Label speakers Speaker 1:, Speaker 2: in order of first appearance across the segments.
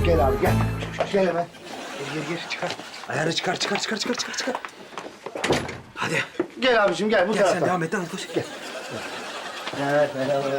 Speaker 1: Gel abi gel. Gel hemen. Gir çıkar.
Speaker 2: Ayarı çıkar. Hadi.
Speaker 1: Gel abiciğim gel bu
Speaker 2: Gel
Speaker 1: tarafa.
Speaker 2: sen devam et, devam et. Koş. Gel.
Speaker 1: Evet merhaba.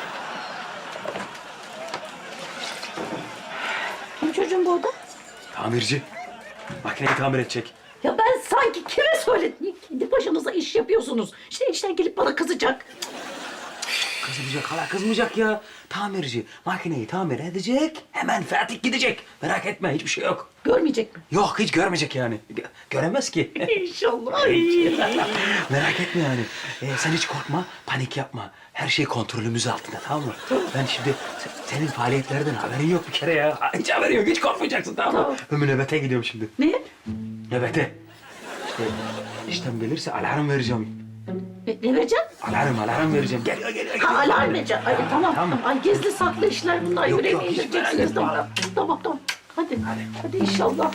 Speaker 3: Kim çocuğum bu oda?
Speaker 2: Tamirci. Makineyi tamir edecek.
Speaker 3: Ya ben sanki kime söyledim? Kendi başınıza iş yapıyorsunuz. İşte enişten gelip bana kızacak.
Speaker 2: Kızmayacak, hala kızmayacak ya. Tamirci makineyi tamir edecek, hemen Fatih gidecek. Merak etme, hiçbir şey yok.
Speaker 3: Görmeyecek mi?
Speaker 2: Yok, hiç görmeyecek yani. Göremez ki.
Speaker 3: İnşallah. Ay.
Speaker 2: Merak etme yani. Sen hiç korkma, panik yapma. Her şey kontrolümüz altında, tamam mı? Ben şimdi senin faaliyetlerden haberin yok bir kere ya. Hiç haberin yok, hiç korkmayacaksın, tamam mı?
Speaker 3: Tamam.
Speaker 2: Ben nöbete gidiyorum şimdi.
Speaker 3: Ne?
Speaker 2: Nöbete. İşte işlem gelirse alarm vereceğim.
Speaker 3: Ne vereceksin?
Speaker 2: Alarm vereceğim. Geliyor.
Speaker 3: Ha, alarm vereceksin. Ay, tamam.
Speaker 2: Tamam.
Speaker 3: Ay gizli saklı işler bunlar.
Speaker 2: Yok,
Speaker 3: Yüreğime
Speaker 2: hiç merak
Speaker 3: indireceksiniz.
Speaker 2: etme.
Speaker 3: Tamam. Hadi inşallah.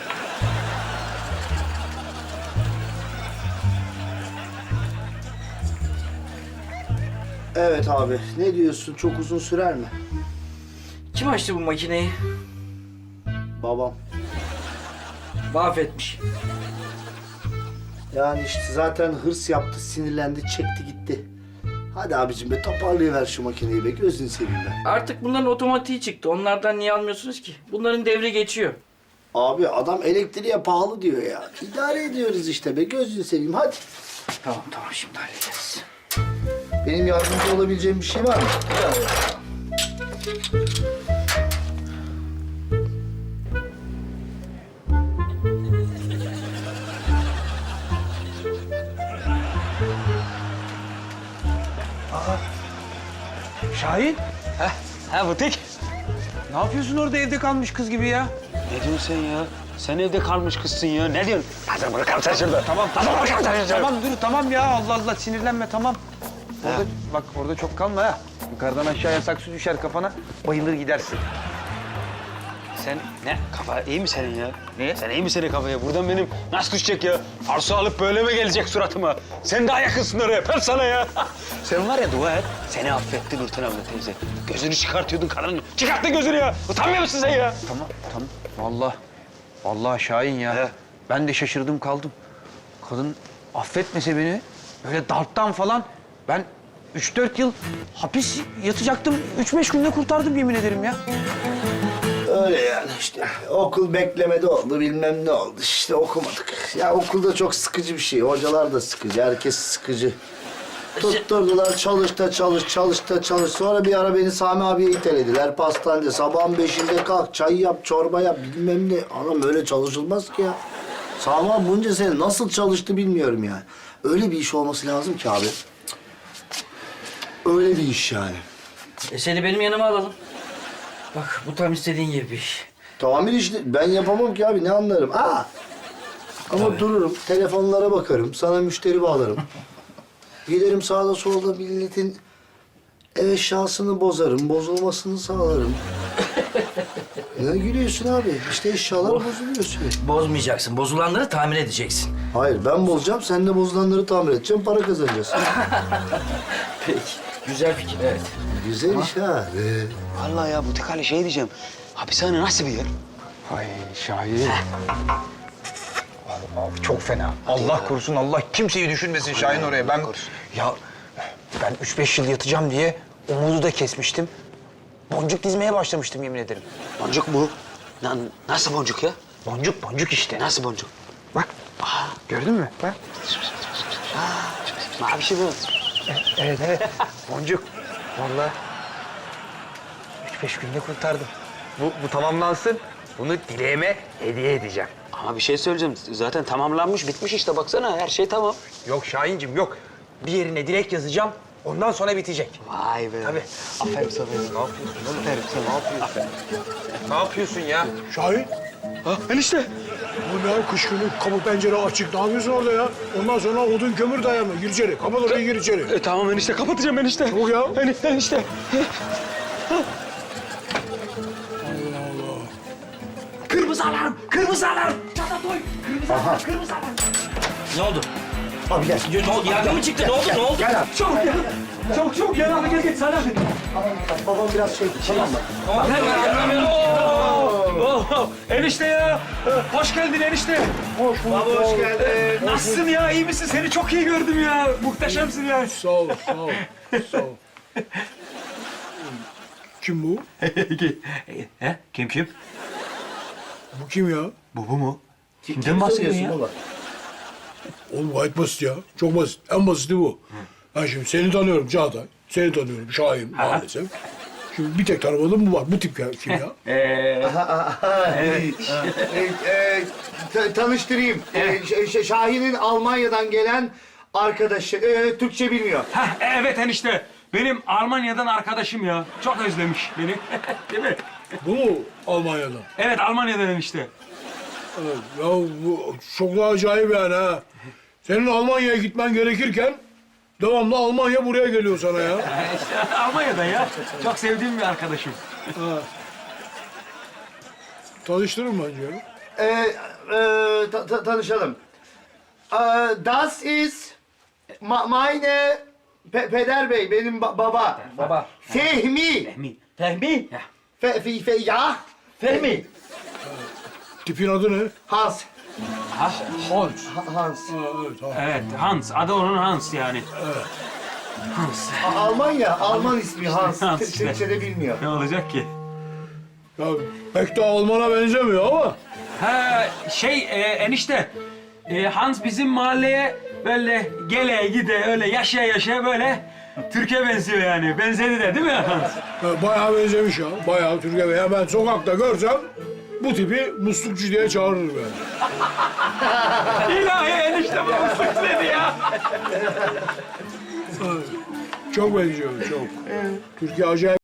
Speaker 1: Evet abi ne diyorsun çok uzun sürer mi?
Speaker 4: Kim açtı bu makineyi?
Speaker 1: Babam.
Speaker 4: Mahvetmiş.
Speaker 1: Yani işte zaten hırs yaptı, sinirlendi, çekti gitti. Hadi abicim be toparlayıver şu makineyi be, gözünü seveyim ben.
Speaker 4: Artık bunların otomatiği çıktı. Onlardan niye almıyorsunuz ki? Bunların devri geçiyor.
Speaker 1: Abi adam elektriğe pahalı diyor ya. İdare ediyoruz işte be, gözünü seveyim hadi.
Speaker 4: Tamam şimdi hallederiz.
Speaker 1: Benim yardımcı olabileceğim bir şey var mı?
Speaker 5: Şahin,
Speaker 2: Ha butik.
Speaker 5: ne yapıyorsun orada evde kalmış kız gibi ya?
Speaker 2: Ne diyorsun sen ya? Sen evde kalmış kızsın ya. Ne diyorsun? Hadi bırakalım sen şurada.
Speaker 5: Tamam,
Speaker 2: Bırakalım sen şurada.
Speaker 5: tamam dur, tamam ya. Allah Allah sinirlenme, tamam. Orada, bak orada çok kalma ha. Yukarıdan aşağıya saksı düşer kafana, bayılır gidersin.
Speaker 2: Sen ne? Kafa iyi mi senin ya?
Speaker 5: Ne?
Speaker 2: Sen iyi mi senin kafaya? Buradan benim nasıl düşecek ya? Arsa alıp böyle mi gelecek suratıma? Sen daha yakınsın oraya. Öper sana ya. Sen var ya dua et. Seni affetti Nurten abla teyze. Gözünü çıkartıyordun kadının. Çıkarttın gözünü ya. Utanmıyor musun sen ya?
Speaker 5: Tamam. Vallahi Şahin ya.
Speaker 2: He.
Speaker 5: Ben de şaşırdım kaldım. Kadın affetmese beni, böyle darptan falan ben 3-4 yıl hapis yatacaktım. 3-5 günde kurtardım yemin ederim ya.
Speaker 1: Öyle yani işte. Okul beklemede oldu, bilmem ne oldu. İşte okumadık. Ya okulda çok sıkıcı bir şey. Hocalar da sıkıcı, herkes sıkıcı. Tutturdular, çalış. Sonra bir ara beni Sami abiye itelediler pastanede. Sabahın 5'inde kalk, çay yap, çorba yap, bilmem ne. Anam öyle çalışılmaz ki ya. Sami abi bunca sene nasıl çalıştı bilmiyorum yani. Öyle bir iş olması lazım ki abi. Öyle bir iş yani.
Speaker 4: Seni benim yanıma alalım. Bak bu tam istediğin gibi bir iş.
Speaker 1: Tamir işte ben yapamam ki abi ne anlarım. Ama dururum, telefonlara bakarım, sana müşteri bağlarım. Giderim sağda solda milletin ev eşyasını bozarım, bozulmasını sağlarım. Ne gülüyorsun abi? İşte eşyalar bozuluyor sürekli.
Speaker 4: Bozmayacaksın. Bozulanları tamir edeceksin.
Speaker 1: Hayır ben bozacağım, sen de bozulanları tamir edeceksin, para kazanacağız.
Speaker 4: Peki. Güzel fikir evet.
Speaker 1: Güzel iş ha.
Speaker 2: Vallahi ya butik hani şey diyeceğim. Hapishane nasıl bir yer?
Speaker 5: Ay Şahin. Abi çok fena. Allah korusun, Allah kimseyi düşünmesin Şahin oraya. Ben 3-5 yıl yatacağım diye umudu da kesmiştim. Boncuk dizmeye başlamıştım yemin ederim.
Speaker 2: Boncuk mu? Nasıl boncuk ya?
Speaker 5: Boncuk işte.
Speaker 2: Nasıl boncuk?
Speaker 5: Bak. Gördün mü? Bak.
Speaker 2: Mavişi bu.
Speaker 5: Evet. Boncuk. Vallahi 3-5 günde kurtardım. Bu tamamlansın. Bunu dileğime hediye edeceğim.
Speaker 2: Ama bir şey söyleyeceğim. Zaten tamamlanmış, bitmiş işte. Baksana her şey tamam.
Speaker 5: Yok Şahincim yok. Bir yerine dilek yazacağım. Ondan sonra bitecek.
Speaker 2: Vay be.
Speaker 5: Tabii.
Speaker 2: Aferin sana.
Speaker 5: Ne yapıyorsun oğlum? Aferin sana. Ne yapıyorsun? Aferin. Ne yapıyorsun ya?
Speaker 6: Şahin,
Speaker 2: Ha, enişte.
Speaker 6: bu ne kış günü kapı pencere açık. Ne yapıyorsun orada ya? Ondan sonra odun kömür dayanma. Gir içeri. Kapat orayı gir içeri.
Speaker 2: Tamam enişte, kapatacağım enişte.
Speaker 6: Çabuk ya.
Speaker 2: Enişte. Kırmızı alarm! Kırmızı alarm! Çatatoy! Kırmızı alarm! Kırmızı alarm!
Speaker 4: Ne oldu?
Speaker 1: Abi gel.
Speaker 4: Ne oldu? Yangın mı çıktı? Ne oldu? Ne oldu?
Speaker 1: Gel abi.
Speaker 2: Çabuk gel abi gel Salih abi.
Speaker 1: Babam biraz şey, tamam mı?
Speaker 4: Hemen anlamıyorum.
Speaker 2: Enişte ya. Hoş geldin enişte.
Speaker 6: Hoş bulduk.
Speaker 1: Baba hoş geldin.
Speaker 2: Nasılsın ya? İyi misin? Seni çok iyi gördüm ya. Muhteşemsin ya.
Speaker 6: Sağ ol, sağ ol, sağ ol. Kim bu?
Speaker 2: He? Kim?
Speaker 6: Bu kim ya?
Speaker 2: Bu mu? Kimden
Speaker 1: Kim
Speaker 2: bahsediyorsun ya?
Speaker 1: soruyorsun baba?
Speaker 6: Oğlum gayet basit ya. Çok basit. En basiti bu. Ben şimdi seni tanıyorum Çağatay. Seni tanıyorum Şahin maalesef. Şimdi bir tek tanımadığım bu var. Bu tip ya, kim ya?
Speaker 1: Tanıştırayım. Şahin'in Almanya'dan gelen arkadaşı. Türkçe bilmiyor.
Speaker 2: Heh, evet enişte. Benim Almanya'dan arkadaşım ya. Çok özlemiş beni. Değil mi?
Speaker 6: Bu mu Almanya'dan?
Speaker 2: Evet Almanya'dan enişte.
Speaker 6: Evet. Ya bu çok da acayip yani ha. Senin Almanya'ya gitmen gerekirken devamlı Almanya buraya geliyor sana ya.
Speaker 2: İşte Almanya'dan ya. Çok sevdiğim bir arkadaşım.
Speaker 6: Tanıştırın bence ya.
Speaker 1: Tanışalım. Das ist meine Peder Bey, benim baba.
Speaker 4: Baba.
Speaker 1: Fehmi.
Speaker 4: Fehmi.
Speaker 1: Ya. Fehmi.
Speaker 6: Tipin adı ne?
Speaker 1: Hans.
Speaker 6: Hans.
Speaker 1: Hans.
Speaker 6: Evet, Hans.
Speaker 2: Evet Hans. Adı onun Hans yani. Hans.
Speaker 1: Alman ismi Hans.
Speaker 2: Hans işte.
Speaker 1: Türkçe'de bilmiyor.
Speaker 2: Ne olacak ki?
Speaker 6: Ya pek de Alman'a benzemiyor ama.
Speaker 2: Ha enişte. Hans bizim mahalleye böyle gele gide öyle yaşaya böyle Türkiye benziyor yani. Benzedi de değil mi Hans?
Speaker 6: Bayağı benzemiş ya. Bayağı Türkiye. Ya ben sokakta görsem bu tipi muslukçu diye çağırırım yani.
Speaker 2: İlahi enişte bana suçladı ya.
Speaker 6: Çok benziyor, çok. Türkiye acayip